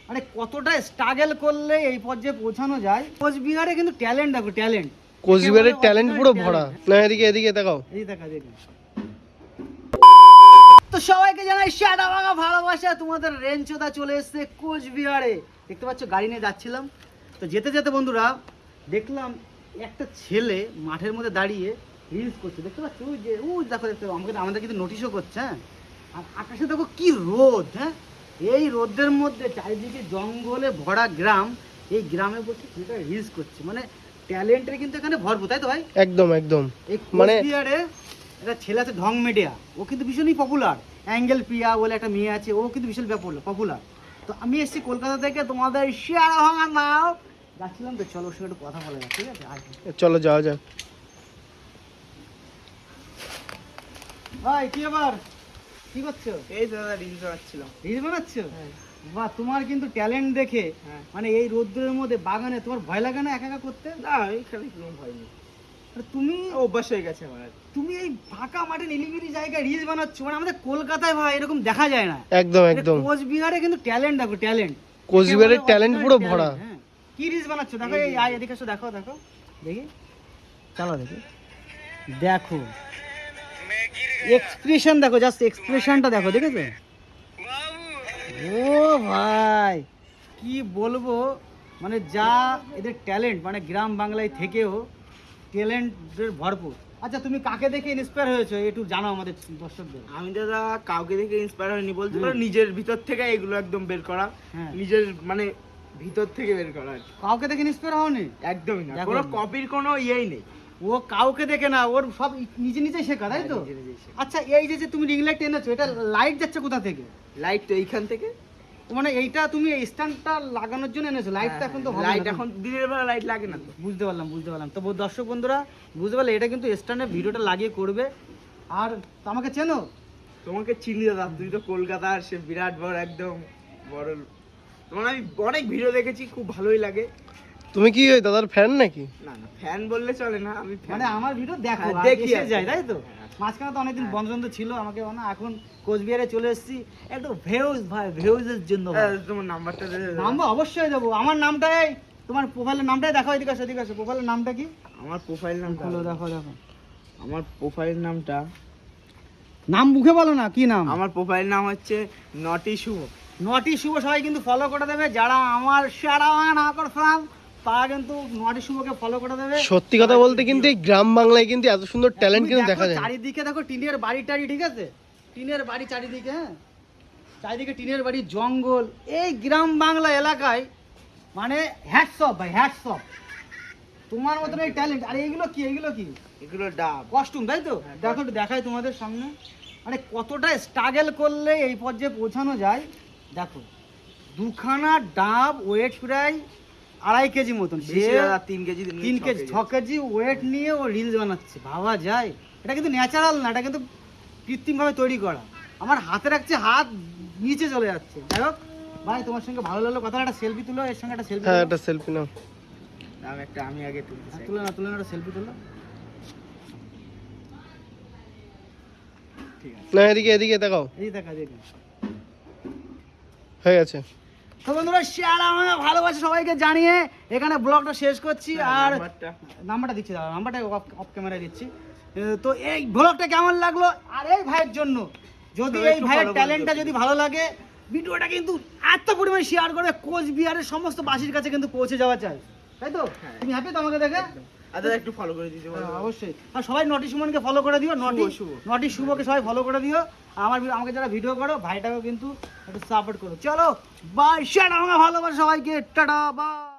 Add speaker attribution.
Speaker 1: মানে কতটা স্ট্রাগল করলে এই পর্যায়ে পৌঁছানো যায়। কোচবিহারে কিন্তু ট্যালেন্ট, দেখো ট্যালেন্ট,
Speaker 2: কোচবিহারের ট্যালেন্ট পুরো ভরা। না এদিকে এদিকে দেখাও,
Speaker 1: এই দেখা দেখো। তো সবাইকে জানাই সাদা ভাঙা ভালোবাসা। তোমাদের রেঞ্চোদা চলে এসেছে কোচবিহারে। দেখতে পাচ্ছ গাড়ি নিয়ে যাচ্ছিলাম, তো যেতে যেতে বন্ধুরা দেখলাম একটা ছেলে মাঠের মধ্যে দাঁড়িয়ে রিলস করছে। দেখতে পাচ্ছ ওই যে ওই দেখো, দেখতে আমাদের কিন্তু নোটিশও করছে। হ্যাঁ, আর আকাশে দেখো কি রোদ। হ্যাঁ, এই রোদের মধ্যে চারিদিকে জঙ্গলে ভরা গ্রাম, এই গ্রামে বসে ছেলেটা রিলস করছে। মানে ট্যালেন্টের কিন্তু এখানে ভরপুর, তাই তো ভাই?
Speaker 2: একদম একদম।
Speaker 1: এই
Speaker 2: মানে
Speaker 1: কোচবিহারে একটা ছেলে আছে ঢং মিডিয়া, ও কিন্তু ভীষণই পপুলার। অ্যাঙ্গেল প্রিয়া বলে একটা মেয়ে আছে, ও কিন্তু ভীষণ পপুলার। তো আমি এসেছি কলকাতা থেকে তোমাদের শেয়ারা ভাঙা নাও যাচ্ছিলাম, তো চলো ওর সঙ্গে একটু কথা বলা যাক, ঠিক আছে? আর
Speaker 2: চলো যাওয়া যাক।
Speaker 1: ভাই কি ব্যাপার, কি করছো?
Speaker 3: এই দাদা রিলস বানাচ্ছিলাম।
Speaker 1: রিল বানাচ্ছো?
Speaker 3: হ্যাঁ।
Speaker 1: বাহ, তোমার কিন্তু ট্যালেন্ট দেখে
Speaker 3: হ্যাঁ।
Speaker 1: মানে এই রোদ্রের মধ্যে বাগানে তোমার ভয় লাগে না একা একা করতে?
Speaker 3: না এইখানে কোনো ভয় নেই,
Speaker 1: আর তুমি
Speaker 3: অভ্যাস হয়ে গেছে আমার।
Speaker 1: তুমি এই ফাঁকা মাঠে নিলিবিলি জায়গায় রিল বানাচ্ছো, মানে আমাদের কলকাতায় ভাই এরকম দেখা যায় না।
Speaker 2: একদম একদম।
Speaker 1: কোচবিহারে কিন্তু ট্যালেন্ট, দেখো ট্যালেন্ট,
Speaker 2: কোচবিহারের ট্যালেন্ট পুরো ভরা।
Speaker 1: হ্যাঁ, কি রিলস বানাচ্ছো দেখো, এই আয় এদিকে এসো, দেখো দেখো দেখি, চলো দেখি, দেখো এক্সপ্রেশন দেখো, জাস্ট এক্সপ্রেশনটা দেখো, দেখেছো? ও ভাই কি বলবো, মানে যা এদের ট্যালেন্ট, মানে গ্রাম বাংলায় থেকেও ট্যালেন্টের ভরপুর। আচ্ছা, তুমি কাকে দেখে ইন্সপায়ার হয়েছো একটু জানো আমাদের দর্শকদের।
Speaker 3: আমি দাদা কাউকে দেখে ইন্সপায়ার হয়নি বলতে পারো, নিজের ভিতর থেকে এগুলো একদম বের করা।
Speaker 1: হ্যাঁ।
Speaker 3: নিজের মানে ভিতর থেকে বের করা আর কি।
Speaker 1: কাউকে দেখে ইন্সপায়ার হওনি?
Speaker 3: একদমই না,
Speaker 1: দেখো।
Speaker 3: কোনো কপির কোনো ইয়েই নেই।
Speaker 1: ও কাউকে দেখে না, ওর সব নিজে নিজে শেখা, তাই তো?
Speaker 3: নিজে নিজেই শেখা।
Speaker 1: আচ্ছা, এই যে যে তুমি রিং লাইট এনেছো, এটা লাইট যাচ্ছে কোথা থেকে?
Speaker 3: লাইট তো এইখান থেকে।
Speaker 1: মানে এইটা তুমি স্ট্যান্ডটা লাগানোর জন্য এনেছো, লাইটটা এখন তো হবে না।
Speaker 3: লাইট এখন দিনের বেলা লাইট লাগে না তো।
Speaker 1: বুঝতে পারলাম বুঝতে পারলাম। তো দর্শক বন্ধুরা বুঝতে পারলে, এটা কিন্তু স্ট্যান্ডে ভিডিওটা লাগিয়ে করবে। আর তো আমাকে চেনো?
Speaker 3: তোমাকে চিনি দাদা, তুমি তো কলকাতার সে বিরাট বড় একদম বড়। তোমার আমি অনেক ভিডিও দেখেছি, খুব ভালোই লাগে।
Speaker 2: তুমি কি ওই দাদার ফ্যান নাকি?
Speaker 3: না না, ফ্যান বললে চলে না, আমি
Speaker 1: মানে আমার ভিডিও দেখো,
Speaker 3: হ্যাঁ,
Speaker 1: আর
Speaker 3: দেখি
Speaker 1: এসে
Speaker 3: আর কি।
Speaker 1: যায়, তাই তো?
Speaker 3: হ্যাঁ।
Speaker 1: মাঝখানে তো অনেকদিন বন্ধ বন্ধ ছিল, আমাকে না এখন কোচবিহারে চলে এসেছি একটু ভেউজ ভাই, ভেউজের জন্য ভাই।
Speaker 3: তোমার নাম্বারটা দে দাদা।
Speaker 1: নাম্বার অবশ্যই দেবো। আমার নামটাই, তোমার প্রোফাইলের নামটাই দেখো, এদিকে আসো এদিকে আসো। প্রোফাইলের নামটা কি?
Speaker 3: আমার প্রোফাইল নামটা
Speaker 1: খোলো, দেখো দেখো।
Speaker 3: আমার প্রোফাইল নামটা,
Speaker 1: নাম মুখে বলো না, কি নাম?
Speaker 3: আমার প্রোফাইল নাম হচ্ছে নটি শুভ।
Speaker 1: নটি শুভ, সবাই কিন্তু ফলো করে দেবে। যারা আমার সারা নাকর ফ্রাম, তারা কিন্তু নটি শুভকে ফলো করে দেবে।
Speaker 2: সত্যি কথা বলতে কিন্তু এই গ্রাম বাংলায় কিন্তু এত সুন্দর ট্যালেন্ট
Speaker 1: তুমি
Speaker 2: কিন্তু
Speaker 1: দেখো
Speaker 2: দেখা যায় না।
Speaker 1: চারিদিকে দেখো টিনের বাড়ি টাড়ি, ঠিক আছে? টিনের বাড়ি চারিদিকে, হ্যাঁ, চারিদিকে টিনের বাড়ি, জঙ্গল, এই গ্রাম বাংলা এলাকায় মানে হ্যাটস অফ ভাই, হ্যাটস অফ। তোমার মতন এই ট্যালেন্ট। আর এইগুলো কি, এইগুলো কি?
Speaker 3: এগুলো ডাব।
Speaker 1: কস্টিউম, তাই তো?
Speaker 3: হ্যাঁ,
Speaker 1: দেখো একটু দেখাই তোমাদের সামনে, মানে কতটা স্ট্রাগল করলে এই পর্যায়ে পৌঁছানো যায়। দেখো, দুখানা ডাব ওয়েট প্রায় 2.5 কেজি মতন, সে
Speaker 3: বেশি দাদা, 3 কেজি
Speaker 1: 3 কেজি 6 কেজি ওয়েট নিয়ে ও রিলস বানাচ্ছে। ভাবা যায়? এটা কিন্তু ন্যাচারাল না, এটা কিন্তু কৃত্রিমভাবে তৈরি করা। আমার হাতে রাখছে, হাত নিচে চলে যাচ্ছে। যাই হোক ভাই, তোমার সঙ্গে ভালো লাগলো কথা। একটা সেলফি তুলো, এর সঙ্গে একটা সেলফি
Speaker 2: হ্যাঁ, একটা সেলফি নাও।
Speaker 3: আমি আগে তুলতে চাই।
Speaker 1: তুলে না, তুলে না, একটা সেলফি তুলো।
Speaker 3: ঠিক আছে।
Speaker 2: না এদিকে এদিকে দেখাও,
Speaker 1: এই দেখা দেখি।
Speaker 2: হয়ে গেছে।
Speaker 1: তো বন্ধুরা, শেয়ার আমার ভালোবাসা সবাইকে জানিয়ে এখানে ব্লগটা শেষ করছি। আর নাম্বারটা দিচ্ছি, দাদা নাম্বারটা অফ ক্যামেরায় দিচ্ছি। তো এই ব্লগটা কেমন লাগলো, আর এই ভাইয়ের জন্য যদি
Speaker 3: সবাই
Speaker 1: এই
Speaker 3: একটু
Speaker 1: ভাইয়ের
Speaker 3: follow করে
Speaker 1: ট্যালেন্টটা
Speaker 3: দিও।
Speaker 1: যদি ভালো লাগে, ভিডিওটা কিন্তু এত পরিমাণে শেয়ার করে কোচবিহারের সমস্ত বাসীর কাছে কিন্তু পৌঁছে যাওয়া চাই, তাই তো?
Speaker 3: হ্যাঁ।
Speaker 1: তুমি হ্যাপি তো আমাকে দেখে?
Speaker 3: আর দাদা একটু ফলো করে দিতে
Speaker 1: হ্যাঁ,
Speaker 3: বলো।
Speaker 1: অবশ্যই। আর সবাই নটি সুমনকে ফলো করে দিও,
Speaker 3: শুভ।
Speaker 1: নটি শুভকে সবাই ফলো করে দিও। আর আমাকে যারা ভিডিও করো, ভাইটাকেও কিন্তু একটু সাপোর্ট করো। চলো বাই, শেয়ার আমার ভালোবাসা সবাইকে, টাটা বাই।